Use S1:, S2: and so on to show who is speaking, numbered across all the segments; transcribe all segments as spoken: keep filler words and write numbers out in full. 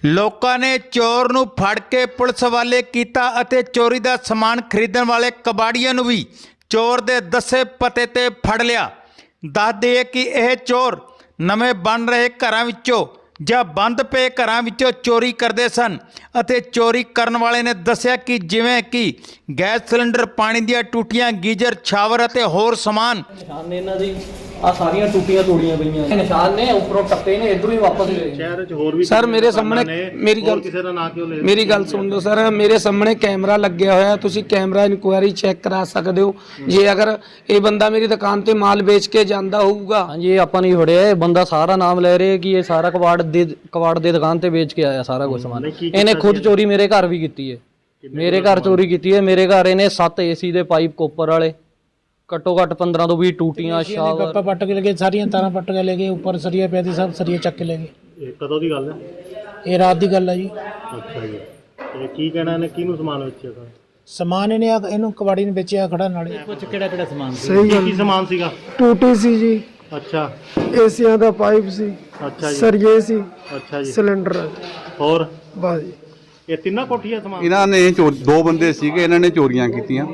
S1: ਲੋਕਾਂ ਨੇ ਚੋਰ ਨੂੰ ਫੜ ਕੇ ਪੁਲਿਸ ਵਾਲੇ ਕੀਤਾ ਅਤੇ ਚੋਰੀ ਦਾ ਸਮਾਨ ਖਰੀਦਣ ਵਾਲੇ ਕਬਾੜੀਆਂ ਨੂੰ ਵੀ ਚੋਰ ਦੇ ਦੱਸੇ ਪਤੇ ਤੇ ਫੜ ਲਿਆ। ਦੱਸ ਦਈਏ ਕਿ ਇਹ ਚੋਰ ਨਵੇਂ ਬਣ ਰਹੇ ਘਰਾਂ ਵਿੱਚੋਂ ਜਾਂ ਬੰਦ ਪਏ ਘਰਾਂ ਵਿੱਚੋਂ ਚੋਰੀ ਕਰਦੇ ਸਨ ਅਤੇ ਚੋਰੀ ਕਰਨ ਵਾਲੇ ਨੇ ਦੱਸਿਆ ਕਿ ਜਿਵੇਂ ਕਿ ਗੈਸ ਸਿਲੰਡਰ, ਪਾਣੀ ਦੀਆਂ ਟੂਟੀਆਂ, ਗੀਜ਼ਰ, ਸ਼ਾਵਰ ਅਤੇ ਹੋਰ ਸਮਾਨ।
S2: ਨਿਸ਼ਾਨ ਨੇ ਇਹਨਾਂ ਦੀ ਆ ਸਾਰੀਆਂ ਟੂਟੀਆਂ ਤੋੜੀਆਂ ਪਈਆਂ ਨਿਸ਼ਾਨ ਨੇ, ਉੱਪਰੋਂ ਟੱਪੇ ਨੇ, ਇਧਰੋਂ ਹੀ ਵਾਪਸ ਗਏ।
S3: ਸ਼ਹਿਰ ਵਿੱਚ ਹੋਰ ਵੀ
S4: ਸਰ ਮੇਰੇ ਸਾਹਮਣੇ ਮੇਰੀ ਗੱਲ
S3: ਕਿਸੇ ਦਾ ਨਾਂ ਕਿਉਂ ਲੈ
S4: ਮੇਰੀ ਗੱਲ ਸੁਣ ਲਓ ਸਰ, ਮੇਰੇ ਸਾਹਮਣੇ ਕੈਮਰਾ ਲੱਗਿਆ ਹੋਇਆ, ਤੁਸੀਂ ਕੈਮਰਾ ਇਨਕੁਆਇਰੀ ਚੈੱਕ ਕਰਾ ਸਕਦੇ ਹੋ। ਜੇ ਅਗਰ ਇਹ ਬੰਦਾ ਮੇਰੀ ਦੁਕਾਨ ਤੇ ਮਾਲ ਵੇਚ ਕੇ ਜਾਂਦਾ ਹੋਊਗਾ।
S2: ਹਾਂਜੀ, ਇਹ ਆਪਾਂ ਨਹੀਂ ਫੜਿਆ, ਇਹ ਬੰਦਾ ਸਾਰਾ ਨਾਮ ਲੈ ਰਿਹਾ ਕਿ ਇਹ ਸਾਰਾ ਕਬਾੜ ਦੇ ਕਬਾੜ ਦੇ ਦੁਕਾਨ ਤੇ ਵੇਚ ਕੇ ਆਇਆ ਸਾਰਾ ਕੁਝ ਸਮਾਨ। ਇਹਨੇ ਖੁਦ ਚੋਰੀ ਮੇਰੇ ਘਰ ਵੀ ਕੀਤੀ ਹੈ, ਮੇਰੇ ਘਰ ਚੋਰੀ ਕੀਤੀ ਹੈ। ਮੇਰੇ ਘਰ ਇਹਨੇ ਸੱਤ ਏਸੀ ਦੇ ਪਾਈਪ ਕੋਪਰ ਵਾਲੇ, ਘੱਟੋ ਘੱਟ ਪੰਦਰਾਂ ਤੋਂ ਵੀਹ ਟੂਟੀਆਂ, ਸ਼ਾਵਰ
S5: ਪੱਪਾ ਪੱਟ ਕੇ ਲੈ ਗਏ, ਸਾਰੀਆਂ ਤਾਰਾਂ ਪੱਟ ਕੇ ਲੈ ਗਏ, ਉੱਪਰ ਸਰੀਆ ਪਿਆ ਸੀ, ਸਭ ਸਰੀਆ ਚੱਕ ਕੇ ਲੈ ਗਏ।
S3: ਇਹ ਕਦੋਂ ਦੀ ਗੱਲ ਹੈ?
S5: ਇਹ ਰਾਤ ਦੀ ਗੱਲ ਹੈ ਜੀ।
S3: ਅੱਛਾ ਜੀ, ਤੇ ਕੀ ਕਹਿਣਾ ਇਹਨੇ, ਕਿਹਨੂੰ ਸਮਾਨ ਵੇਚਿਆ ਸਰ?
S5: ਸਮਾਨ ਇਹਨੇ ਆ- ਇਹਨੂੰ ਕਬਾੜੀ ਨੇ ਵੇਚਿਆ ਖੜਾ ਨਾਲੇ।
S3: ਕੁਝ ਕਿਹੜਾ ਕਿਹੜਾ ਸਮਾਨ ਸੀ?
S6: ਸਹੀ ਗੱਲ,
S3: ਕੀ ਸਮਾਨ ਸੀਗਾ?
S6: ਟੂਟੀ ਸੀ ਜੀ,
S3: ਅੱਛਾ
S6: ਏਸੀਆਂ ਦਾ ਪਾਈਪ ਸੀ,
S3: ਅੱਛਾ ਜੀ,
S6: ਸਰੀਏ ਸੀ,
S3: ਅੱਛਾ ਜੀ,
S6: ਸਿਲੰਡਰ
S3: ਹੋਰ
S6: ਬਸ ਜੀ।
S3: ਇਹ ਤਿੰਨਾਂ ਕੋਠੀਆਂ ਸਮਾਨ?
S7: ਇਹਨਾਂ ਨੇ ਚੋ ਦੋ ਬੰਦੇ ਸੀਗੇ, ਇਹਨਾਂ ਨੇ ਚੋਰੀਆਂ ਕੀਤੀਆਂ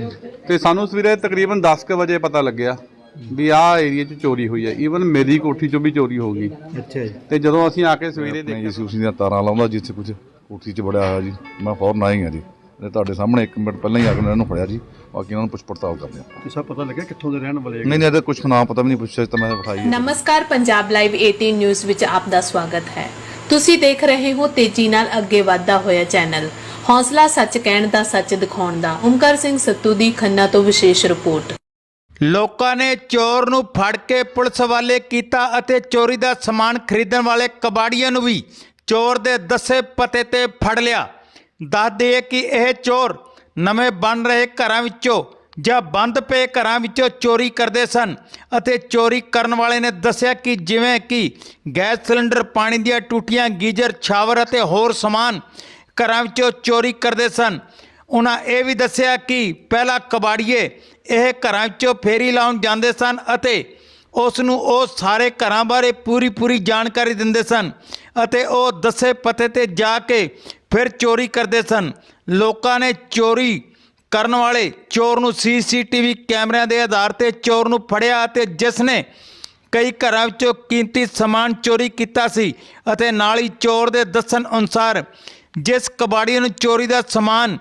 S7: ਤੇ ਸਾਨੂੰ ਸਵੇਰੇ ਤਕਰੀਬਨ ਦਸ ਕੁ ਵਜੇ ਪਤਾ ਲੱਗਿਆ ਵੀ ਆਹ ਏਰੀਆ 'ਚ ਚੋਰੀ ਹੋਈ ਹੈ। ਈਵਨ ਮੇਰੀ ਕੋਠੀ 'ਚੋਂ ਵੀ ਚੋਰੀ ਹੋ ਗਈ।
S3: ਅੱਛਾ ਜੀ,
S7: ਤੇ ਜਦੋਂ ਅਸੀਂ ਆ ਕੇ ਸਵੇਰੇ
S8: ਨਹੀਂ
S7: ਦੇਖਿਆ
S8: ਜੀ, ਉਸੀ ਦੀਆਂ ਤਾਰਾਂ ਲਾਉਂਦਾ ਜਿੱਥੇ ਕੁਝ ਕੋਠੀ 'ਚ ਬੜਿਆ ਹੋਇਆ ਜੀ। ਮੈਂ ਫੌਰਨ ਆਈ ਹਾਂ ਜੀ, ਤੇ ਤੁਹਾਡੇ ਸਾਹਮਣੇ ਇੱਕ ਮਿੰਟ ਪਹਿਲਾਂ ਹੀ ਆ ਕੇ ਇਹਨਾਂ ਨੂੰ ਫੜਿਆ ਜੀ। ਬਾਕੀ ਉਹਨਾਂ ਨੂੰ ਪੁੱਛ ਪੜਤਾਲ ਕਰਦੇ ਹਾਂ।
S3: ਕਿਸਾ ਪਤਾ ਲੱਗਿਆ ਕਿੱਥੋਂ ਦੇ ਰਹਿਣ ਵਾਲੇ?
S8: ਨਹੀਂ ਨਹੀਂ ਇਹਦਾ ਕੁਝ ਨਾਮ ਪਤਾ ਵੀ ਨਹੀਂ ਪੁੱਛਿਆ ਤਾਂ ਮੈਂ ਬਿਠਾਈ ਹੈ।
S9: ਨਮਸਕਾਰ, ਪੰਜਾਬ ਲਾਈਵ ਅਠਾਰਾਂ ਨਿਊਜ਼ ਵਿੱਚ ਆਪ ਦਾ ਸਵਾਗਤ ਹੈ। ਤੁਸੀਂ ਦੇਖ ਰਹੇ ਹੋ ਤੇਜ਼ੀ ਨਾਲ ਅੱਗੇ ਵਧਦਾ ਹੋਇਆ ਚੈਨਲ, ਹੌਸਲਾ ਸੱਚ ਕਹਿਣ ਦਾ, ਸੱਚ ਦਿਖਾਉਣ ਦਾ। ਓਮਕਾਰ ਸਿੰਘ ਸੱਤੂ ਦੀ ਖੰਨਾ ਤੋਂ ਵਿਸ਼ੇਸ਼ ਰਿਪੋਰਟ।
S1: ਲੋਕਾਂ ਨੇ ਚੋਰ ਨੂੰ ਫੜ ਕੇ ਪੁਲਿਸ ਵਾਲੇ ਕੀਤਾ ਅਤੇ ਚੋਰੀ ਦਾ ਸਮਾਨ ਖਰੀਦਣ ਵਾਲੇ ਕਬਾੜੀਆਂ ਨੂੰ ਵੀ ਚੋਰ ਦੇ ਦੱਸੇ ਪਤੇ ਤੇ ਫੜ ਲਿਆ। ਦੱਸ ਦਈਏ ਕਿ ਇਹ ਚੋਰ ਨਵੇਂ ਬਣ ਰਹੇ ਘਰਾਂ ਵਿੱਚੋਂ ਜਾਂ ਬੰਦ ਪਏ ਘਰਾਂ ਵਿੱਚੋਂ ਚੋਰੀ ਕਰਦੇ ਸਨ ਅਤੇ ਚੋਰੀ ਕਰਨ ਵਾਲੇ ਨੇ ਦੱਸਿਆ ਕਿ ਜਿਵੇਂ ਕਿ ਗੈਸ ਸਿਲੰਡਰ, ਪਾਣੀ ਦੀਆਂ ਟੂਟੀਆਂ, ਗੀਜ਼ਰ, ਸ਼ਾਵਰ ਅਤੇ ਹੋਰ ਸਮਾਨ ਘਰਾਂ ਵਿੱਚੋਂ ਚੋਰੀ ਕਰਦੇ ਸਨ। ਉਹਨਾਂ ਇਹ ਵੀ ਦੱਸਿਆ ਕਿ ਪਹਿਲਾਂ ਕਬਾੜੀਏ ਇਹ ਘਰਾਂ ਵਿੱਚੋਂ ਫੇਰੀ ਲਾਉਣ ਜਾਂਦੇ ਸਨ ਅਤੇ ਉਸ ਨੂੰ ਉਹ ਸਾਰੇ ਘਰਾਂ ਬਾਰੇ ਪੂਰੀ ਪੂਰੀ ਜਾਣਕਾਰੀ ਦਿੰਦੇ ਸਨ ਅਤੇ ਉਹ ਦੱਸੇ ਪਤੇ ਤੇ ਜਾ ਕੇ ਫਿਰ ਚੋਰੀ ਕਰਦੇ ਸਨ। ਲੋਕਾਂ ਨੇ ਚੋਰੀ ਕਰਨ ਵਾਲੇ ਚੋਰ ਨੂੰ ਸੀ ਸੀ ਟੀ ਵੀ ਕੈਮਰਿਆਂ ਦੇ ਆਧਾਰ ਤੇ ਚੋਰ ਨੂੰ ਫੜਿਆ ਅਤੇ ਜਿਸ ਨੇ ਕਈ ਘਰਾਂ ਵਿੱਚੋਂ ਕੀਮਤੀ ਸਮਾਨ ਚੋਰੀ ਕੀਤਾ ਸੀ ਅਤੇ ਨਾਲ ਹੀ ਚੋਰ ਦੇ ਦੱਸਣ ਅਨੁਸਾਰ ਜਿਸ ਕਬਾੜੀ ਨੂੰ ਚੋਰੀ ਦਾ ਸਮਾਨ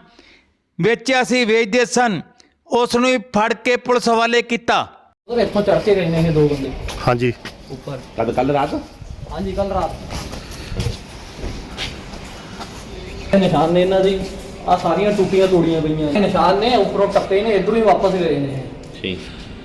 S1: ਵੇਚਿਆ ਸੀ, ਵੇਚਦੇ ਸਨ, ਉਸ ਨੂੰ ਹੀ ਫੜ ਕੇ ਪੁਲਿਸ ਹਵਾਲੇ ਕੀਤਾ।
S2: ਇੱਥੋਂ ਚੜ ਕੇ ਗਏ ਨੇ ਇਹ ਦੋ ਬੰਦੇ
S3: ਹਾਂਜੀ,
S2: ਉੱਪਰ।
S7: ਕੱਲ ਕੱਲ ਰਾਤ
S2: ਹਾਂਜੀ, ਕੱਲ ਰਾਤ। ਇਹ ਨਿਸ਼ਾਨ ਨੇ ਇਹਨਾਂ ਦੀ ਆ ਸਾਰੀਆਂ ਟੂਟੀਆਂ ਤੋੜੀਆਂ ਪਈਆਂ ਨਿਸ਼ਾਨ ਨੇ, ਉੱਪਰੋਂ ਟੱਪੇ ਨੇ, ਇਧਰੋਂ ਹੀ ਵਾਪਸ ਗਏ ਨੇ।
S7: ਠੀਕ,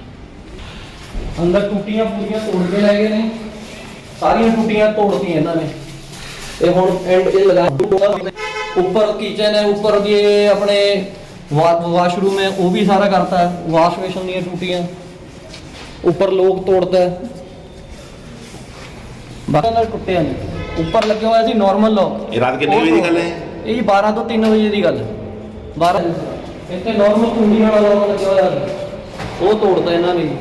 S2: ਅੰਦਰ ਟੂਟੀਆਂ ਪੂਰੀਆਂ ਤੋੜ ਕੇ ਲੈ ਗਏ ਨੇ, ਸਾਰੀਆਂ ਟੂਟੀਆਂ ਤੋੜਤੀਆਂ ਇਹਨਾਂ ਨੇ। ਤੇ ਹੁਣ ਐਂਡ ਇਹ ਲਗਾ ऊपर किचन है, ऊपर भी अपने वा, वाशरूम है, वो भी सारा करता है। वाश बेसन दी टूटियां ऊपर लोग तोड़ता है, टुटे नहीं। ऊपर लगे हुआ सी नॉर्मल लॉक।
S7: रात कितने बजे की गल है?
S2: ये बारह तो तीन बजे की गल। बारह इतने नॉर्मल कुंडी वाला लॉक लगे हुआ वो तोड़ता इन्हों ने।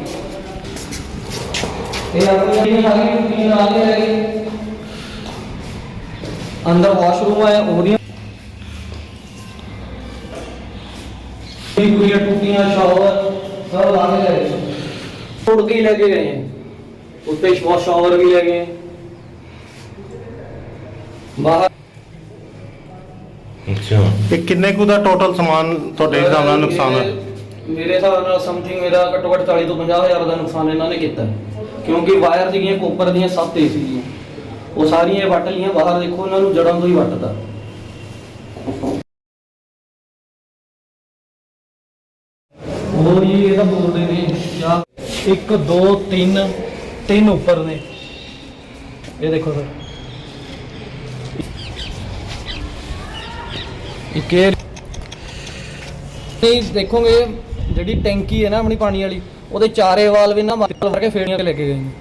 S2: अंदर वॉशरूम है, वो टूटियां, शावर सब ला के ले गए, तोड़ के ही लेके गए हैं। उसपे शावर भी ले गए बाहर।
S3: ਅੱਛਾ, ਇਹ ਕਿੰਨੇ ਕੁ ਦਾ ਟੋਟਲ ਸਮਾਨ ਤੁਹਾਡੇ ਹਿਸਾਬ ਨਾਲ ਨੁਕਸਾਨ ਹੈ?
S2: ਮੇਰੇ ਹਿਸਾਬ ਨਾਲ ਸਮਥਿੰਗ ਮੇਰਾ ਘੱਟੋ ਘੱਟ ਚਾਲੀ ਤੋਂ ਪੰਜਾਹ ਹਜ਼ਾਰ ਦਾ ਨੁਕਸਾਨ ਇਹਨਾਂ ਨੇ ਕੀਤਾ, ਕਿਉਂਕਿ ਵਾਇਰ ਸੀਗੀਆਂ ਕੋਪਰ ਦੀਆਂ ਸੱਤ ਏ ਸੀਗੀਆਂ, ਉਹ ਸਾਰੀਆਂ ਵੱਟ ਲੀਆਂ ਬਾਹਰ। ਦੇਖੋ ਇਹਨਾਂ ਨੂੰ ਜੜਾਂ ਤੋਂ ਹੀ ਵੱਟਦਾ। ਹੋਰ ਜੀ ਇਹਦਾ ਬੋਲਦੇ ਨੇ ਜਾਂ ਇੱਕ ਦੋ ਤਿੰਨ ਤਿੰਨ ਉੱਪਰ ਨੇ। ਇਹ ਦੇਖੋ ਸਰ, ਇੱਕ ਇਹ ਦੇਖੋਗੇ ਜਿਹੜੀ ਟੈਂਕੀ ਹੈ ਨਾ ਆਪਣੀ ਪਾਣੀ ਵਾਲੀ, ਉਹਦੇ ਚਾਰੇ ਵਾਲ ਵੀ ਨਾ ਮਾਰ ਕੇ ਫੇੜੀਆਂ ਕੇ ਲੈ ਕੇ ਗਏ ਨੇ।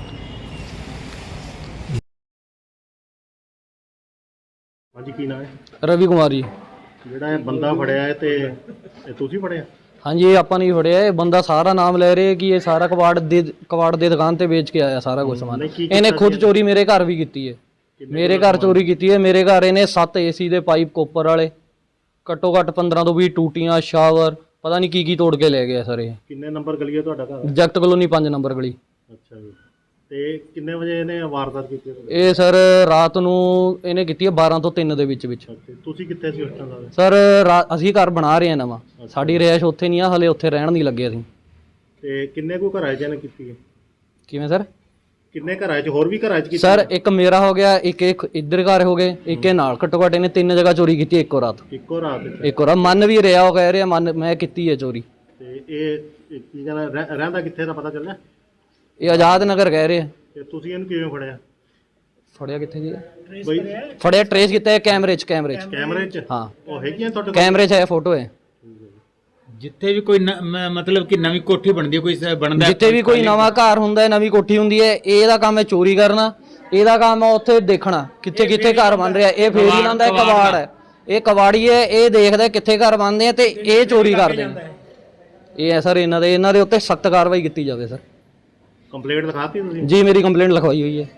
S3: ਹਾਂਜੀ, ਕੀ ਨਾਮ ਹੈ?
S2: ਰਵੀ ਕੁਮਾਰ ਜੀ।
S3: ਜਿਹੜਾ ਇਹ ਬੰਦਾ ਫੜਿਆ ਹੈ ਤੇ ਇਹ ਤੁਸੀਂ ਫੜਿਆ?
S2: ਹਾਂਜੀ, ਇਹ ਆਪਾਂ ਨਹੀਂ ਫੜਿਆ, ਇਹ ਬੰਦਾ ਸਾਰਾ ਨਾਮ ਲੈ ਰਿਹਾ ਕਿ ਇਹ ਸਾਰਾ ਕਬਾੜ ਦੇ ਕਬਾੜ ਦੇ ਦੁਕਾਨ ਤੇ ਵੇਚ ਕੇ ਆਇਆ ਸਾਰਾ ਕੁਝ ਸਮਾਨ। ਇਹਨੇ ਖੁਦ ਚੋਰੀ ਮੇਰੇ ਘਰ ਵੀ ਕੀਤੀ ਹੈ, ਮੇਰੇ ਘਰ ਚੋਰੀ ਕੀਤੀ ਹੈ। ਮੇਰੇ ਘਰ ਇਹਨੇ ਸੱਤ ਏਸੀ ਦੇ ਪਾਈਪ ਕੋਪਰ ਵਾਲੇ, ਘੱਟੋ ਘੱਟ ਪੰਦਰਾਂ ਤੋਂ ਵੀਹ ਟੂਟੀਆਂ, ਸ਼ਾਵਰ, ਪਤਾ ਨਹੀਂ ਕੀ ਕੀ ਤੋੜ ਕੇ ਲੈ ਗਿਆ ਸਰ ਇਹ।
S3: ਕਿੰਨੇ ਨੰਬਰ ਗਲੀ ਹੈ ਤੁਹਾਡਾ ਘਰ?
S2: ਜਗਤ ਕਲੋਨੀ ਪੰਜ ਨੰਬਰ ਗਲੀ।
S3: ਅੱਛਾ ਜੀ। ਤੇ ਕਿੰਨੇ ਵਜੇ ਇਹਨੇ ਵਾਰਦਾਤ ਕੀਤੀ ਹੈ?
S2: ਇਹ ਸਰ ਰਾਤ ਨੂੰ ਇਹਨੇ ਕੀਤੀ ਹੈ ਬਾਰਾਂ ਤੋਂ ਤਿੰਨ ਦੇ ਵਿੱਚ ਵਿੱਚ।
S3: ਤੇ ਤੁਸੀਂ ਕਿੱਥੇ ਸੀ ਉਸ ਟਾਈਮ?
S2: ਸਰ ਰਾ- ਅਸੀਂ ਘਰ ਬਣਾ ਰਹੇ ਹਾਂ ਨਵਾਂ, ਸਾਡੀ ਰਿਹਾਇਸ਼ ਉੱਥੇ ਨਹੀਂ ਆ ਹਲੇ, ਉੱਥੇ ਰਹਿਣ ਨਹੀਂ ਲੱਗੇ ਅਸੀਂ।
S3: ਤੇ ਕਿੰਨੇ ਕੁ ਘਰਾਂ 'ਚ ਇਹਨੇ ਕੀਤੀ ਹੈ?
S2: ਕਿਵੇਂ ਸਰ?
S3: ਕਿੰਨੇ ਘਰਾਂ 'ਚ, ਹੋਰ ਵੀ ਘਰਾਂ 'ਚ ਕੀਤੀ?
S2: ਸਰ ਇੱਕ ਮੇਰਾ ਹੋ ਗਿਆ, ਇੱਕ ਇੱਕ ਇੱਧਰ ਘਰ ਹੋ ਗਏ, ਇੱਕ ਇਹ ਨਾਲ। ਘੱਟੋ ਘੱਟ ਇਹਨੇ ਤਿੰਨ ਜਗ੍ਹਾ ਚੋਰੀ ਕੀਤੀ ਇੱਕੋ ਰਾਤ।
S3: ਇੱਕੋ ਰਾਤ 'ਚ?
S2: ਇੱਕੋ ਰਾਤ ਮੰਨ ਵੀ ਰਿਹਾ, ਉਹ ਕਹਿ ਰਿਹਾ ਮੰਨ ਮੈਂ ਕੀਤੀ ਹੈ ਚੋਰੀ।
S3: ਤੇ ਇਹ ਇਹ ਕੀ ਕਹਿੰਦਾ, ਰਹਿ- ਰਹਿੰਦਾ ਕਿੱਥੇ ਦਾ ਪਤਾ ਚੱਲਿਆ?
S2: ਇਹ ਆਜ਼ਾਦ ਨਗਰ ਕਹਿ ਰਹੇ ਆ।
S3: ਤੇ ਤੁਸੀਂ ਇਹਨੂੰ ਕਿਵੇਂ ਫੜਿਆ?
S2: ਫੜਿਆ ਕਿੱਥੇ ਜੀ?
S3: ਬਈ
S2: ਫੜਿਆ ਟਰੇਸ ਕੀਤਾ ਹੈ ਕੈਮਰੇ 'ਚ। ਕੈਮਰੇ 'ਚ
S3: ਕੈਮਰੇ 'ਚ?
S2: ਹਾਂ,
S3: ਉਹ ਹੈਗੀਆਂ ਤੁਹਾਡੇ ਕੋਲ?
S2: ਕੈਮਰੇ 'ਚ ਹੈ, ਫੋਟੋ ਹੈ।
S1: ਜਿੱਥੇ ਵੀ ਕੋਈ ਨ- ਮ- ਮਤਲਬ ਕਿ ਨਵੀਂ ਕੋਠੀ ਬਣਦੀ ਹੈ, ਕੋਈ ਸ- ਬਣਦਾ ਹੈ,
S2: ਜਿੱਥੇ ਵੀ ਕੋਈ ਨਵਾਂ ਘਰ ਹੁੰਦਾ ਹੈ, ਨਵੀਂ ਕੋਠੀ ਹੁੰਦੀ ਹੈ, ਇਹਦਾ ਕੰਮ ਹੈ ਚੋਰੀ ਕਰਨਾ। ਇਹਦਾ ਕੰਮ ਹੈ ਉੱਥੇ ਦੇਖਣਾ ਕਿੱਥੇ ਕਿੱਥੇ ਘਰ ਬਣ ਰਿਹਾ। ਇਹ ਫੇਰ ਹੀ ਲਾਉਂਦਾ ਹੈ, ਕਬਾੜ ਹੈ, ਇਹ ਕਬਾੜੀ ਹੈ। ਇਹ ਦੇਖਦਾ ਕਿੱਥੇ ਘਰ ਬਣਦੇ ਆ ਤੇ ਇਹ ਚੋਰੀ ਕਰਦੇ ਨੇ। ਇਹ ਹੈ ਸਰ ਇਹਨਾਂ ਦੇ, ਇਹਨਾਂ ਦੇ ਉੱਤੇ ਸਖਤ ਕਾਰਵਾਈ ਕੀਤੀ ਜਾਵੇ ਸਰ।
S3: ਕੰਪਲੇਂਟ ਲਿਖਾਤੀ ਤੁਸੀਂ?
S2: ਜੀ ਮੇਰੀ ਕੰਪਲੇਂਟ ਲਿਖਵਾਈ ਹੋਈ ਹੈ।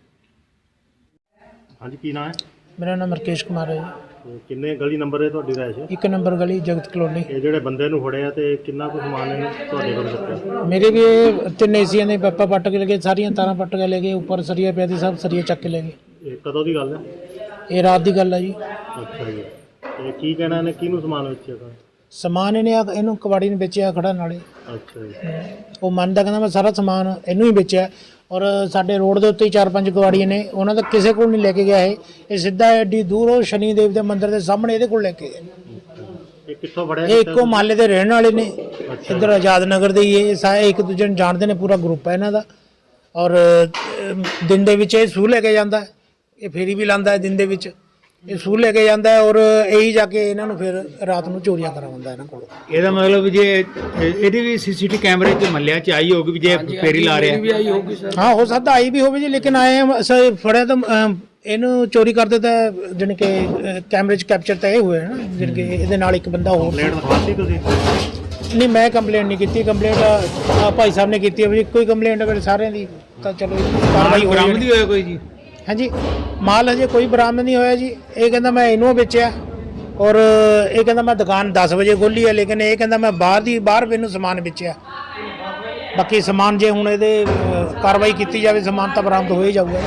S3: ਹਾਂਜੀ, ਕੀ ਨਾਮ ਹੈ?
S5: ਮੇਰਾ ਨਾਮ ਰਕੇਸ਼ ਕੁਮਾਰ ਹੈ ਜੀ।
S3: ਤੇ ਕਿੰਨੇ ਗਲੀ ਨੰਬਰ ਹੈ ਤੁਹਾਡੀ ਰਾਇਸ਼?
S5: ਇੱਕ ਨੰਬਰ ਗਲੀ ਜਗਤ ਕਲੋਨੀ।
S3: ਇਹ ਜਿਹੜੇ ਬੰਦੇ ਨੂੰ ਫੜਿਆ ਤੇ ਕਿੰਨਾ ਕੁ ਸਮਾਨ ਇਹਨੇ ਤੁਹਾਡੇ ਕੋਲ ਰੱਖਿਆ?
S5: ਮੇਰੇ ਵੀ ਇਹ ਤਿੰਨ ਏਸੀਆਂ ਦੇ ਪਾਪਾ ਪੱਟ ਕੇ ਲੈ ਗਏ, ਸਾਰੀਆਂ ਤਾਰਾਂ ਪੱਟ ਕੇ ਲੈ ਗਏ, ਉੱਪਰ ਸਰੀਆ ਪਿਆ ਸੀ, ਸਭ ਸਰੀਆ ਚੱਕ ਕੇ ਲੈ ਗਏ।
S3: ਇਹ ਕਦੋਂ ਦੀ ਗੱਲ ਹੈ?
S5: ਇਹ ਰਾਤ ਦੀ ਗੱਲ ਹੈ ਜੀ।
S3: ਅੱਛਾ ਜੀ। ਤੇ ਕੀ ਕਹਿਣਾ ਇਹਨੇ, ਕਿਹਨੂੰ ਸਮਾਨ ਵੇਚਿਆ ਤਾਂ?
S5: ਸਮਾਨ ਇਹਨੇ ਆ- ਇਹਨੂੰ ਕਬਾੜੀ ਨੇ ਵੇਚਿਆ ਖੜਾ ਨਾਲੇ।
S3: ਅੱਛਾ ਜੀ।
S5: ਉਹ ਮੰਨਦਾ, ਕਹਿੰਦਾ ਮੈਂ ਸਾਰਾ ਸਮਾਨ ਇਹਨੂੰ ਹੀ ਵੇਚਿਆ। ਔਰ ਸਾਡੇ ਰੋਡ ਦੇ ਉੱਤੇ ਹੀ ਚਾਰ ਪੰਜ ਕਬਾੜੀਆਂ ਨੇ, ਉਹਨਾਂ ਦਾ ਕਿਸੇ ਕੋਲ ਨਹੀਂ ਲੈ ਕੇ ਗਿਆ ਇਹ ਇਹ ਸਿੱਧਾ ਐਡੀ ਦੂਰ ਉਹ ਸ਼ਨੀ ਦੇਵ ਦੇ ਮੰਦਿਰ ਦੇ ਸਾਹਮਣੇ ਇਹਦੇ ਕੋਲ ਲੈ ਕੇ ਗਏ।
S3: ਇਹ ਕਿੱਥੋਂ ਫੜਿਆ?
S5: ਇਹ ਇੱਕੋ ਮਹੱਲੇ ਦੇ ਰਹਿਣ ਵਾਲੇ ਨੇ, ਇੱਧਰ ਆਜ਼ਾਦ ਨਗਰ ਦੇ ਹੀ ਇਹ ਸਾਰੇ ਇੱਕ ਦੂਜੇ ਨੂੰ ਜਾਣਦੇ ਨੇ, ਪੂਰਾ ਗਰੁੱਪ ਹੈ ਇਹਨਾਂ ਦਾ। ਔਰ ਅਮ, ਦਿਨ ਦੇ ਵਿੱਚ ਇਹ ਸੂਹ ਲੈ ਕੇ ਜਾਂਦਾ ਹੈ, ਇਹ ਫੇਰੀ ਵੀ ਲਾਉਂਦਾ ਹੈ ਦਿਨ ਦੇ ਵਿੱਚ, ਇਹ ਸੂਹ ਲੈ ਕੇ ਜਾਂਦਾ ਹੈ। ਔਰ ਇਹੀ ਜਾ ਕੇ ਇਹਨਾਂ ਨੂੰ ਫਿਰ ਰਾਤ ਨੂੰ ਚੋਰੀਆਂ ਕਰਵਾਉਂਦਾ ਇਹਨਾਂ ਕੋਲ।
S1: ਇਹਦਾ ਮਤਲਬ ਜੇ ਇਹਦੀ ਵੀ ਸੀਸੀਟੀ ਕੈਮਰੇ 'ਚ ਮੱਲਿਆ 'ਚ ਆਈ ਹੋਊਗੀ ਵੀ ਜੇ ਫੇਰੀ ਲਾ ਰਿਹਾ।
S4: ਵੀ ਆਈ ਹੋਊਗੀ ਸਰ।
S5: ਹਾਂ ਹੋ ਸਕਦਾ ਆਈ ਵੀ ਹੋਵੇ ਜੀ, ਲੇਕਿਨ ਆਏ ਹਾਂ ਅਸੀਂ ਫੜਿਆ ਤਾਂ ਅਮ, ਇਹਨੂੰ ਚੋਰੀ ਕਰਦੇ ਤਾਂ ਜਾਣੀ ਕਿ ਅ, ਕੈਮਰੇ 'ਚ ਕੈਪਚਰ ਤਾਂ ਇਹ ਹੋਇਆ ਨਾ, ਜਾਣੀ ਕਿ ਇਹਦੇ ਨਾਲ ਇੱਕ ਬੰਦਾ ਹੋਰ।
S3: ਕੰਪਲੇਂਟ ਲਿਖਾਤੀ ਤੁਸੀਂ?
S5: ਨਹੀਂ ਮੈਂ ਕੰਪਲੇਂਟ ਨਹੀਂ ਕੀਤੀ, ਕੰਪਲੇਂਟ ਭਾਈ ਸਾਹਿਬ ਨੇ ਕੀਤੀ ਹੈ ਵੀ ਕੋਈ ਕੰਪਲੇਂਟ ਅਗਰ ਸਾਰਿਆਂ ਦੀ ਤਾਂ ਚਲੋ ਕਾਰਵਾਈ ਹੋ
S1: ਬਰਾਮਦ
S5: ਜਾਣੀ।
S1: ਹੀ ਹੋਇਆ ਕੋਈ ਜੀ?
S5: ਹਾਂਜੀ ਮਾਲ ਹਜੇ ਕੋਈ ਬਰਾਮਦ ਨਹੀਂ ਹੋਇਆ ਜੀ। ਇਹ ਕਹਿੰਦਾ ਮੈਂ ਇਹਨੂੰ ਵੇਚਿਆ, ਔਰ ਇਹ ਕਹਿੰਦਾ ਮੈਂ ਦੁਕਾਨ ਦਸ ਵਜੇ ਖੋਲ੍ਹੀ ਹੈ, ਲੇਕਿਨ ਇਹ ਕਹਿੰਦਾ ਮੈਂ ਬਾਹਰ ਦੀ ਬਾਹਰ ਮੈਨੂੰ ਸਮਾਨ ਵੇਚਿਆ। ਬਾਕੀ ਸਮਾਨ ਜੇ ਹੁਣ ਇਹਦੇ ਅ, ਕਾਰਵਾਈ ਕੀਤੀ ਜਾਵੇ, ਸਮਾਨ ਤਾਂ ਬਰਾਮਦ ਹੋ ਹੀ ਜਾਊਗਾ।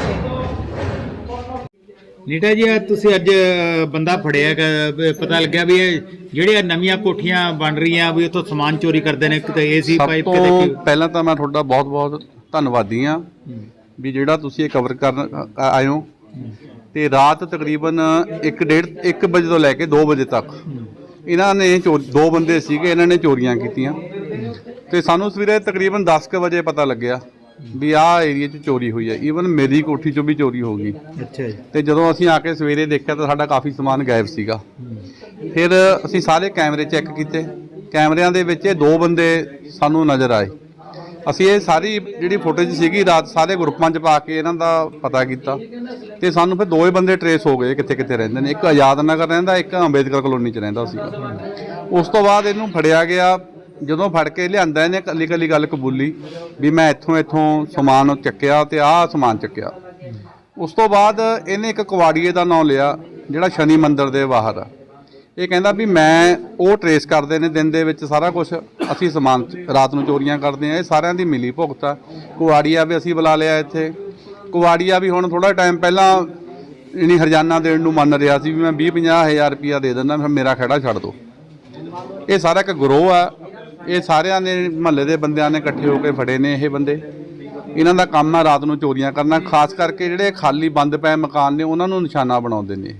S1: ਨੀਟਾ ਜੀ ਇਹ ਤੁਸੀਂ ਅੱਜ ਅ, ਬੰਦਾ ਫੜਿਆ ਹੈਗਾ, ਵੀ ਪਤਾ ਲੱਗਿਆ ਵੀ ਇਹ ਜਿਹੜੀਆਂ ਨਵੀਆਂ ਕੋਠੀਆਂ ਬਣ ਰਹੀਆਂ ਵੀ ਉੱਥੋਂ ਸਮਾਨ ਚੋਰੀ ਕਰਦੇ ਨੇ, ਕਿਤੇ ਏਸੀ
S7: ਸਭ
S1: ਪਾਈਪ
S7: ਤੋਂ
S1: ਕਿਤੇ।
S7: ਪਹਿਲਾਂ ਤਾਂ ਮੈਂ ਤੁਹਾਡਾ ਬਹੁਤ-ਬਹੁਤ ਧੰਨਵਾਦੀ ਹਾਂ ਵੀ ਜਿਹੜਾ ਤੁਸੀਂ ਇਹ ਕਵਰ ਕਰਨ ਅ- ਆਏ ਹੋ। ਤੇ ਰਾਤ ਤਕਰੀਬਨ ਇੱਕ ਡੇਢ ਇੱਕ ਵਜੇ ਤੋਂ ਲੈ ਕੇ ਦੋ ਵਜੇ ਤੱਕ ਇਹਨਾਂ ਨੇ ਚੋਰ ਦੋ ਬੰਦੇ ਸੀਗੇ, ਇਹਨਾਂ ਨੇ ਚੋਰੀਆਂ ਕੀਤੀਆਂ। ਤੇ ਸਾਨੂੰ ਸਵੇਰੇ ਤਕਰੀਬਨ ਦਸ ਕੁ ਵਜੇ ਪਤਾ ਲੱਗਿਆ ਵੀ ਆਹ ਏਰੀਆ 'ਚ ਚੋਰੀ ਹੋਈ ਹੈ। ਈਵਨ ਮੇਰੀ ਕੋਠੀ 'ਚੋਂ ਵੀ ਚੋਰੀ ਹੋ ਗਈ।
S1: ਅੱਛਾ ਜੀ।
S7: ਤੇ ਜਦੋਂ ਅਸੀਂ ਆ ਕੇ ਸਵੇਰੇ ਦੇਖਿਆ ਤਾਂ ਸਾਡਾ ਕਾਫੀ ਸਮਾਨ ਗਾਇਬ ਸੀਗਾ। ਫਿਰ ਅਸੀਂ ਸਾਰੇ ਕੈਮਰੇ ਚੈੱਕ ਕੀਤੇ, ਕੈਮਰਿਆਂ ਦੇ ਵਿੱਚ ਇਹ ਦੋ ਬੰਦੇ ਸਾਨੂੰ ਨਜ਼ਰ ਆਏ। ਅਸੀਂ ਇਹ ਸਾਰੀ ਜਿਹੜੀ ਫੁਟੇਜ ਸੀਗੀ ਰਾਤ ਸਾਰੇ ਗਰੁੱਪਾਂ 'ਚ ਪਾ ਕੇ ਇਹਨਾਂ ਦਾ ਪਤਾ ਕੀਤਾ ਤੇ ਸਾਨੂੰ ਫਿਰ ਦੋਵੇਂ ਬੰਦੇ ਟਰੇਸ ਹੋ ਗਏ ਕਿੱਥੇ ਕਿੱਥੇ ਰਹਿੰਦੇ ਨੇ। ਇੱਕ ਆਜ਼ਾਦ ਨਗਰ ਰਹਿੰਦਾ, ਇੱਕ ਅੰਬੇਦਕਰ ਕਲੋਨੀ 'ਚ ਰਹਿੰਦਾ ਸੀਗਾ। ਉਸ ਤੋਂ ਬਾਅਦ ਇਹਨੂੰ ਫੜਿਆ ਗਿਆ। ਜਦੋਂ ਫੜ ਕੇ ਲਿਆਂਦਾ ਇਹਨੇ ਇਕੱਲੀ ਇਕੱਲੀ ਗੱਲ ਕਬੂਲੀ ਵੀ ਮੈਂ ਇੱਥੋਂ ਇੱਥੋਂ ਸਮਾਨ ਚੱਕਿਆ ਤੇ ਆਹ ਸਮਾਨ ਚੱਕਿਆ। ਉਸ ਤੋਂ ਬਾਅਦ ਇਹਨੇ ਇੱਕ ਕੁਵਾੜੀਏ ਦਾ ਨਾਮ ਲਿਆ ਜਿਹੜਾ ਸ਼ਨੀ ਮੰਦਿਰ ਦੇ ਬਾਹਰ ਆ। ਇਹ ਕਹਿੰਦਾ ਵੀ ਮੈਂ ਉਹ ਟਰੇਸ ਕਰਦੇ ਨੇ ਦਿਨ ਦੇ ਵਿੱਚ ਸਾਰਾ ਕੁਝ, ਅਸੀਂ ਸਮਾਨ ਰਾਤ ਨੂੰ ਚੋਰੀਆਂ ਕਰਦੇ ਆ। ਇਹ ਸਾਰਿਆਂ ਦੀ ਮਿਲੀ ਭੁਗਤ ਆ। ਕੁਵਾੜੀਆ ਵੀ ਅਸੀਂ ਬੁਲਾ ਲਿਆ ਇੱਥੇ। ਕੁਵਾੜੀਆ ਵੀ ਹੁਣ ਥੋੜਾ ਟਾਈਮ ਪਹਿਲਾਂ ਇਨੀ ਹਰਜਾਨਾ ਦੇਣ ਨੂੰ ਮੰਨ ਰਿਹਾ ਸੀ ਵੀ ਮੈਂ ਵੀਹ ਪੰਜਾਹ ਹਜ਼ਾਰ ਰੁਪਇਆ ਦੇ ਦਿੰਦਾ, ਫਿਰ ਮੇਰਾ ਖਹਿੜਾ ਛੱਡ ਦਿਓ। ਇਹ ਸਾਰਾ ਇੱਕ ਗਰੋਹ ਆ। ਇਹ ਸਾਰਿਆਂ ਨੇ ਮਹੱਲੇ ਦੇ ਬੰਦਿਆਂ ਨੇ ਇਕੱਠੇ ਹੋ ਕੇ ਫੜੇ ਨੇ ਇਹ ਬੰਦੇ। ਇਹਨਾਂ ਦਾ ਕੰਮ ਆ ਰਾਤ ਨੂੰ ਚੋਰੀਆਂ ਕਰਨਾ, ਖਾਸ ਕਰਕੇ ਜਿਹੜੇ ਖਾਲੀ ਬੰਦ ਪਏ ਮਕਾਨ ਨੇ ਉਹਨਾਂ ਨੂੰ ਨਿਸ਼ਾਨਾ ਬਣਾਉਂਦੇ ਨੇ ਇਹ।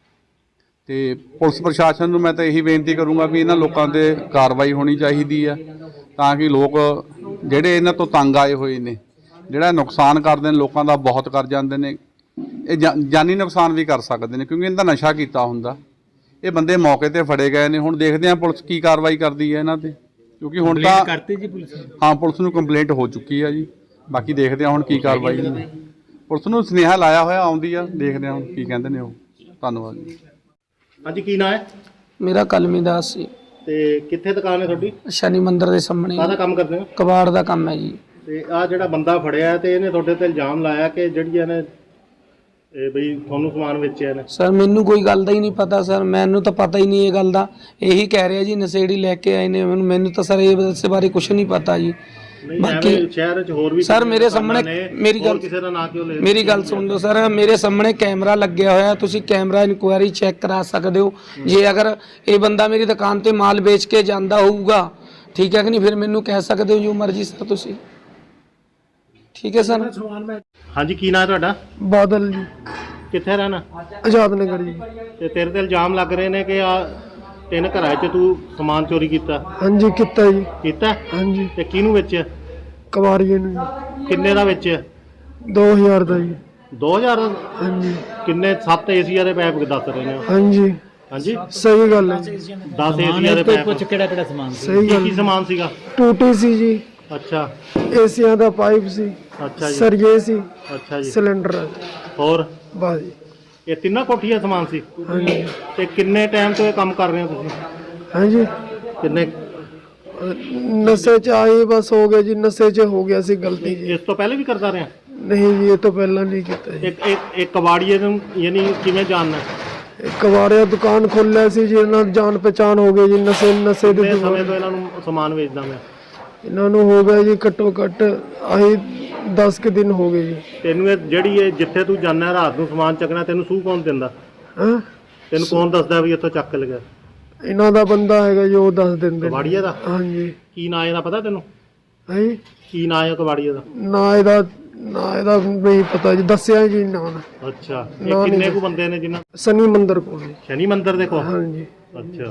S7: ਤੇ ਪੁਲਿਸ ਪ੍ਰਸ਼ਾਸਨ ਨੂੰ ਮੈਂ ਤਾਂ ਇਹੀ ਬੇਨਤੀ ਕਰੂੰਗਾ ਵੀ ਇਹਨਾਂ ਲੋਕਾਂ 'ਤੇ ਕਾਰਵਾਈ ਹੋਣੀ ਚਾਹੀਦੀ ਆ ਤਾਂ ਕਿ ਲੋਕ ਜਿਹੜੇ ਇਹਨਾਂ ਤੋਂ ਤੰਗ ਆਏ ਹੋਏ ਨੇ, ਜਿਹੜਾ ਨੁਕਸਾਨ ਕਰਦੇ ਨੇ ਲੋਕਾਂ ਦਾ ਬਹੁਤ ਕਰ ਜਾਂਦੇ ਨੇ, ਇਹ ਜਾ- ਜਾਨੀ ਨੁਕਸਾਨ ਵੀ ਕਰ ਸਕਦੇ ਨੇ ਕਿਉਂਕਿ ਇਹਨਾਂ ਦਾ ਨਸ਼ਾ ਕੀਤਾ ਹੁੰਦਾ। ਇਹ ਬੰਦੇ ਮੌਕੇ ਤੇ ਫੜੇ ਗਏ ਨੇ। ਹੁਣ ਦੇਖਦੇ ਹਾਂ ਪੁਲਿਸ ਕੀ ਕਾਰਵਾਈ ਕਰਦੀ ਹੈ ਇਹਨਾਂ ਤੇ, ਕਿਉਂਕਿ ਹੁਣ ਤਾਂ
S1: ਕਰਤੀ ਜੀ ਪੁਲਿਸ ਨੇ?
S7: ਹਾਂ ਪੁਲਿਸ ਨੂੰ ਕੰਪਲੇਂਟ ਹੋ ਚੁੱਕੀ ਆ ਜੀ। ਬਾਕੀ ਦੇਖਦੇ ਹਾਂ ਹੁਣ ਕੀ ਕਾਰਵਾਈ ਹੈ। ਪੁਲਿਸ ਨੂੰ ਸੁਨੇਹਾ ਲਾਇਆ ਹੋਇਆ ਆਉਂਦੀ ਆ, ਦੇਖਦੇ ਹਾਂ ਹੁਣ ਕੀ ਕਹਿੰਦੇ ਨੇ ਉਹ। ਧੰਨਵਾਦ ਜੀ।
S3: ਹਾਂਜੀ, ਕੀ ਨਾਮ ਹੈ?
S4: ਮੇਰਾ ਕਲਮੀ ਦਾਸ ਸੀ।
S3: ਤੇ ਕਿੱਥੇ ਦੁਕਾਨ ਹੈ ਤੁਹਾਡੀ?
S4: ਸ਼ਨੀ ਮੰਦਿਰ ਦੇ ਸਾਹਮਣੇ
S3: ਕਾਹਦਾ ਕੰਮ ਕਰਦੇ ਹੋ?
S4: ਕਬਾੜ ਦਾ ਕੰਮ ਹੈ ਜੀ।
S3: ਤੇ ਆ ਜਿਹੜਾ ਬੰਦਾ ਫੜਿਆ ਤੇ ਇਹਨੇ ਤੁਹਾਡੇ ਤੇ ਇਲਜ਼ਾਮ ਲਾਇਆ ਕਿ ਜਿਹੜੀਆਂ ਨੇ ਇਹ ਬਈ ਤੁਹਾਨੂੰ ਸਮਾਨ ਵੇਚਿਆ ਨੇ?
S4: ਸਰ ਮੈਨੂੰ ਕੋਈ ਗੱਲ ਦਾ ਹੀ ਨਹੀਂ ਪਤਾ ਸਰ, ਮੈਨੂੰ ਤਾਂ ਪਤਾ ਹੀ ਨਹੀਂ ਇਹ ਗੱਲ ਦਾ। ਇਹੀ ਕਹਿ ਰਿਹਾ ਜੀ ਨਸ਼ੇੜੀ ਲੈ ਕੇ ਆਏ ਨੇ, ਮੈਨੂੰ ਮੈਨੂੰ ਤਾਂ ਸਰ ਇਸ ਬਾਰੇ ਕੁਝ ਨਹੀਂ ਪਤਾ ਜੀ।
S3: ਨਹੀਂ
S4: ਬਾਕੀ
S3: ਐਵੇਂ ਸ਼ਹਿਰ 'ਚ ਹੋਰ ਵੀ
S4: ਸਰ ਮੇਰੇ ਸਾਹਮਣੇ ਮੇਰੀ ਗੱਲ
S3: ਕਿਸੇ ਦਾ ਨਾਂ ਕਿਉਂ ਲੈ?
S4: ਮੇਰੀ ਗੱਲ ਸੁਣ ਲਓ ਸਰ, ਮੇਰੇ ਸਾਹਮਣੇ ਕੈਮਰਾ ਲੱਗਿਆ ਹੋਇਆ, ਤੁਸੀਂ ਕੈਮਰਾ ਇਨਕੁਆਇਰੀ ਚੈੱਕ ਕਰਾ ਸਕਦੇ ਹੋ। ਜੇ ਅਗਰ ਇਹ ਬੰਦਾ ਮੇਰੀ ਦੁਕਾਨ ਤੇ ਮਾਲ ਵੇਚ ਕੇ ਜਾਂਦਾ ਹੋਊਗਾ, ਠੀਕ ਹੈ ਕਿ ਨਹੀਂ, ਫਿਰ ਮੈਨੂੰ ਕਹਿ ਸਕਦੇ ਹੋ ਜੋ ਮਰਜ਼ੀ ਸਰ ਤੁਸੀਂ। ਠੀਕ ਹੈ ਸਰ।
S3: ਹਾਂਜੀ, ਕੀ ਨਾਂ ਤੁਹਾਡਾ?
S6: ਬਾਦਲ ਜੀ,
S3: ਕਿੱਥੇ ਰਹਿਣਾ?
S6: ਆਜ਼ਾਦ ਨਗਰ ਜੀ।
S3: ਤੇ ਤੇਰੇ ਤੇ ਇਲਜ਼ਾਮ ਲੱਗ ਰਹੇ ਨੇ ਕਿ ਆ ਤਿੰਨ ਘਰਾਂ 'ਚ ਤੂੰ ਸਮਾਨ ਚੋਰੀ ਕੀਤਾ।
S6: ਹਾਂਜੀ ਕੀਤਾ ਜੀ।
S3: ਕੀਤਾ?
S6: ਹਾਂਜੀ
S3: ਤੇ ਕਿਹਨੂੰ ਵੇਚਿਆ?
S6: ਕਵਾਰੀਏ ਨੂੰ ਜੀ।
S3: ਕਿੰਨੇ ਦਾ ਵੇਚਿਆ?
S6: ਦੋ ਹਜ਼ਾਰ ਦਾ ਜੀ।
S3: ਦੋ ਹਜ਼ਾਰ?
S6: ਹਾਂਜੀ
S3: ਕਿੰਨੇ? ਸੱਤ ਏਸੀਆ ਦੇ ਪੈਪ ਦੱਸ ਰਹੇ ਨੇ।
S6: ਹਾਂਜੀ
S3: ਹਾਂਜੀ,
S6: ਸਹੀ ਗੱਲ ਹੈ ਜੀ।
S3: ਦਸ ਏਸੀਆ ਦੇ ਪੈਪ।
S6: ਸਹੀ
S3: ਕੀ
S6: ਗੱਲ
S3: ਕੀ ਸਮਾਨ ਸੀਗਾ?
S6: ਟੂਟੀ ਸੀ ਜੀ,
S3: ਅੱਛਾ
S6: ਏਸੀਆਂ ਦਾ ਪਾਈਪ ਸੀ,
S3: ਅੱਛਾ ਜੀ,
S6: ਸਰੀਏ ਸੀ,
S3: ਅੱਛਾ ਜੀ।
S6: ਸਿਲੰਡਰ
S3: ਹੋਰ
S6: ਬਸ ਜੀ।
S3: ਇਹ ਤਿੰਨਾਂ ਕੋਠੀਆਂ ਸਮਾਨ ਸੀ?
S6: ਹਾਂਜੀ
S3: ਤੇ ਕਿੰਨੇ ਟਾਈਮ ਤੋਂ ਇਹ ਕੰਮ ਕਰ ਰਹੇ ਹੋ ਤੁਸੀਂ?
S6: ਹਾਂਜੀ
S3: ਕਿੰਨੇ?
S6: ਨਸ਼ੇ ਚ ਆਏ ਬਸ ਹੋ ਗਿਆ ਜੀ, ਨਸ਼ੇ ਚ ਹੋ ਗਿਆ ਸੀ ਗਲਤੀ ਜੀ।
S3: ਇਸ ਤੋਂ ਪਹਿਲੇ ਵੀ ਕਰਦਾ ਰਿਹਾ?
S6: ਨਹੀਂ ਜੀ ਇਹ ਤੋਂ ਪਹਿਲਾਂ ਨਹੀਂ ਕੀਤਾ ਜੀ।
S3: ਇੱਕ ਇੱਕ ਇੱਕ ਕਬਾੜੀਏ ਨੂੰ ਯਾਨੀ ਕਿਵੇਂ ਜਾਣਨਾ?
S6: ਕਵਾਰਿਆ ਦੁਕਾਨ ਖੋਲਿਆ ਸੀ ਜੀ, ਇਹਨਾਂ ਦੀ ਜਾਣ ਪਛਾਣ ਹੋ ਗਈ ਜੀ। ਨਸ਼ੇ ਨਸ਼ੇ ਦੇ
S3: ਕਿੰਨੇ ਸਮੇਂ
S6: ਦੁਕਾਨ
S3: ਤੋਂ ਇਹਨਾਂ ਨੂੰ ਸਮਾਨ ਵੇਚਦਾ ਮੈਂ?
S6: ਇਹਨਾਂ ਨੂੰ ਹੋ ਗਿਆ ਜੀ ਘੱਟੋ ਘੱਟ ਆਹੀ ਦਸ ਕੁ ਦਿਨ ਹੋ ਗਏ ਜੀ।
S3: ਤੈਨੂੰ ਇਹ ਜਿਹੜੀ ਇਹ ਜਿੱਥੇ ਤੂੰ ਜਾਂਦਾ ਰਾਤ ਨੂੰ ਸਮਾਨ ਚੱਕਣਾ, ਤੈਨੂੰ ਸੂਹ ਕੌਣ ਦਿੰਦਾ?
S6: ਹਾਂ
S3: ਤੈਨੂੰ ਕੌਣ ਦੱਸਦਾ ਵੀ ਇੱਥੋਂ ਚੱਕ ਕੇ ਲਗਾ?
S6: ਇਹਨਾਂ ਦਾ ਬੰਦਾ ਹੈਗਾ ਜੀ, ਉਹ ਦੱਸ ਦਿੰਦੇ ਨੇ।
S3: ਕਬਾੜੀਏ ਦਾ?
S6: ਹਾਂਜੀ
S3: ਕੀ ਨਾਂ ਇਹਦਾ ਪਤਾ ਤੈਨੂੰ?
S6: ਹੈ ਜੀ।
S3: ਕੀ ਨਾਂ ਹੈ ਕਬਾੜੀਏ ਦਾ?
S6: ਨਾ ਇਹਦਾ ਨਾ ਇਹਦਾ ਨਹੀਂ ਪਤਾ ਜੀ, ਦੱਸਿਆ ਜੀ ਨਾ ਨਾ।
S3: ਅੱਛਾ,
S6: ਨਾ
S3: ਇਹ
S6: ਨਹੀਂ
S3: ਕਿੰਨੇ ਕੁ ਬੰਦੇ ਨੇ ਜਿਨ੍ਹਾਂ?
S6: ਸਨੀ ਮੰਦਰ ਕੋਲ ਜੀ।
S3: ਸ਼ਨੀ ਮੰਦਿਰ ਦੇ ਕੋਲ?
S6: ਹਾਂਜੀ
S3: ਅੱਛਾ,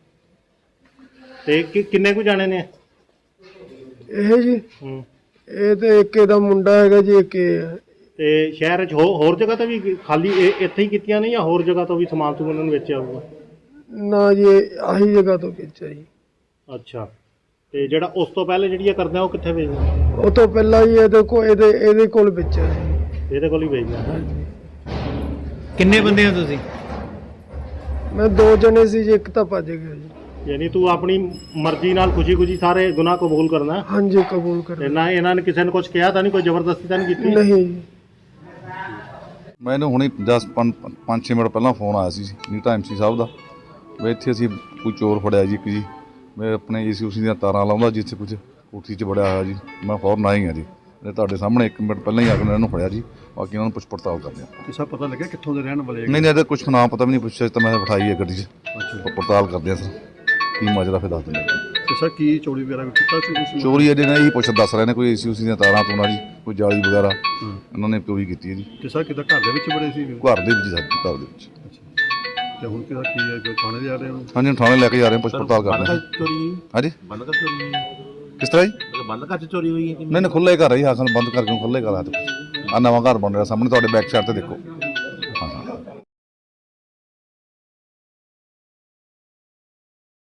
S3: ਤੇ ਕਿ- ਕਿੰਨੇ ਕੁ ਜਾਣੇ ਨੇ?
S6: ਇਹ ਜੀ
S3: ਹੂੰ।
S6: ਇਹ ਤੇ ਇੱਕ ਇਹਦਾ ਮੁੰਡਾ ਹੈਗਾ ਜੀ, ਇੱਕ ਇਹ ਹੈ।
S3: ਤੇ ਸ਼ਹਿਰ 'ਚ ਹੋ- ਹੋਰ ਜਗ੍ਹਾ ਤੇ ਵੀ ਖਾਲੀ ਇਹ ਇੱਥੇ ਹੀ ਕੀਤੀਆਂ ਨੇ ਜਾਂ ਹੋਰ ਜਗ੍ਹਾ ਤੋਂ ਵੀ ਸਮਾਨ ਤੂੰ ਉਹਨਾਂ ਨੂੰ ਵੇਚਿਆ ਹੋਊਗਾ?
S6: ਨਾ ਜੀ ਇਹ ਆਹੀ ਜਗ੍ਹਾ ਤੋਂ ਵੇਚਿਆ ਜੀ।
S3: ਅੱਛਾ, ਤੇ ਜਿਹੜਾ ਉਸ ਤੋਂ ਪਹਿਲੇ ਜਿਹੜੀ ਇਹ ਕਰਦਾ ਉਹ ਕਿੱਥੇ ਵੇਚਦਾ?
S6: ਉਹ ਤੋਂ ਪਹਿਲਾਂ ਜੀ ਇਹਦੇ ਕੋਲ ਇਹਦੇ ਇਹਦੇ ਕੋਲ ਵੇਚਿਆ ਜੀ।
S3: ਇਹਦੇ ਕੋਲ ਹੀ ਵੇਚਦਾ।
S1: ਕਿੰਨੇ ਬੰਦੇ ਹੋ ਤੁਸੀਂ?
S6: ਮੈਂ ਦੋ ਜਣੇ ਸੀ ਜੀ, ਇੱਕ ਤਾਂ ਭੱਜ ਗਿਆ ਜੀ।
S3: ਯਾਨੀ ਤੂੰ ਆਪਣੀ ਮਰਜ਼ੀ ਨਾਲ ਖੁਸ਼ੀ-ਖੁਸ਼ੀ ਸਾਰੇ ਗੁਨਾਹ ਕਬੂਲ ਕਰਨਾ?
S6: ਹਾਂਜੀ ਕਬੂਲ ਕਰ।
S3: ਤੇ ਨਾ ਇਹਨਾਂ ਨੇ ਕਿਸੇ ਨੇ ਕੁਝ ਕਿਹਾ ਤਾਂ ਨਹੀਂ, ਕੋਈ ਜ਼ਬਰਦਸਤੀ ਤਾਂ ਨਹੀਂ ਕੀਤੀ?
S6: ਨਹੀਂ ਜੀ।
S8: ਮੈਨੂੰ ਹੁਣੇ ਦਸ ਪੰਜ ਛੇ ਮਿੰਟ ਪਹਿਲਾਂ ਫੋਨ ਆਇਆ ਸੀ ਨੀਟਾ ਐਮਸੀ ਸਾਹਿਬ ਦਾ, ਵੀ ਇੱਥੇ ਅਸੀਂ ਕੋਈ ਚੋਰ ਫੜਿਆ ਜੀ ਇੱਕ ਜੀ। ਮੈਂ ਆਪਣੇ ਏਸੀ ਉਸੀ ਦੀਆਂ ਤਾਰਾਂ ਲਾਉਂਦਾ ਜਿੱਥੇ ਕੁਝ ਕੋਠੀ 'ਚ ਵੜਿਆ ਹੋਇਆ ਜੀ। ਮੈਂ ਫੌਰਨ ਆਈ ਹਾਂ ਜੀ, ਤੇ ਤੁਹਾਡੇ ਸਾਹਮਣੇ ਇੱਕ ਮਿੰਟ ਪਹਿਲਾਂ ਹੀ ਆ ਕੇ ਇਹਨਾਂ ਨੂੰ ਫੜਿਆ ਜੀ। ਬਾਕੀ ਉਹਨਾਂ ਨੂੰ ਪੁੱਛ ਪੜਤਾਲ ਕਰਦੇ ਹਾਂ।
S3: ਕਿਸੇ ਪਤਾ ਲੱਗਿਆ ਕਿੱਥੋਂ ਦੇ ਰਹਿਣ ਵਾਲੇ?
S8: ਨਹੀਂ ਨਹੀਂ ਇਹਦਾ ਕੁਝ ਨਾਮ ਪਤਾ ਵੀ ਨਹੀਂ ਪੁੱਛਿਆ ਤਾਂ ਮੈਂ ਬਿਠਾਈ ਹੈ ਗੱਡੀ 'ਚ। ਪੜਤਾਲ ਕਰਦੇ ਹਾਂ ਸਰ, ਕੀ ਮਾਜਰਾ ਫਿਰ ਦੱਸ ਦਿੰਦੇ।
S3: ਤੇ ਸਰ ਕੀ ਚੋਰੀ ਵਗੈਰਾ ਕੀਤਾ ਸੀ ਤੁਸੀਂ?
S8: ਚੋਰੀ ਇਹਦੇ ਨਾਲ ਇਹੀ ਪੁੱਛ ਦੱਸ ਰਹੇ ਨੇ, ਕੋਈ ਏਸੀ ਉਸੀ ਦੀਆਂ ਤਾਰਾਂ ਤੋਂ ਨਾ ਜੀ, ਕੋਈ ਜਾਲੀ ਵਗੈਰਾ ਇਹਨਾਂ ਨੇ ਚੋਰੀ ਕੀਤੀ ਹੈ ਜੀ।
S3: ਤੇ ਸਰ ਕਿੱਦਾਂ ਘਰ ਦੇ ਵਿੱਚ ਬੜੇ ਸੀ?
S8: ਘਰ ਦੇ ਵਿੱਚ ਸਾਡੇ ਘਰ ਦੇ ਵਿੱਚ।
S3: ਤੇ ਹੁਣ ਕਿਹਦਾ ਕੀ ਹੈ, ਜੋ ਥਾਣੇ ਜਾ ਰਹੇ ਹੋ?
S8: ਹਾਂਜੀ ਥਾਣੇ ਲੈ ਕੇ ਜਾ ਰਹੇ ਹਾਂ, ਪੁੱਛ ਪੜਤਾਲ ਕਰਦੇ ਹਾਂ।
S10: ਚੋਰੀ
S8: ਹਾਂਜੀ
S10: ਬੰਦ ਕਰ ਚੋਰੀ
S8: ਕਿਸ ਤਰ੍ਹਾਂ ਜੀ?
S10: ਬੰਦ ਕਰ ਚੋਰੀ ਹੋਈ ਹੈ?
S8: ਨਹੀਂ ਨਹੀਂ ਖੁੱਲੇ ਘਰ ਹੀ ਹਾਸਨ ਬੰਦ ਕਰਕੇ ਖੁੱਲੇ ਘਰ ਆ। ਆ ਨਵਾਂ ਘਰ ਬਣ ਰਿਹਾ ਸਾਹਮਣੇ ਤੁਹਾਡੇ ਬੈਕ ਸਾਈਡ ਤੇ ਦੇਖੋ।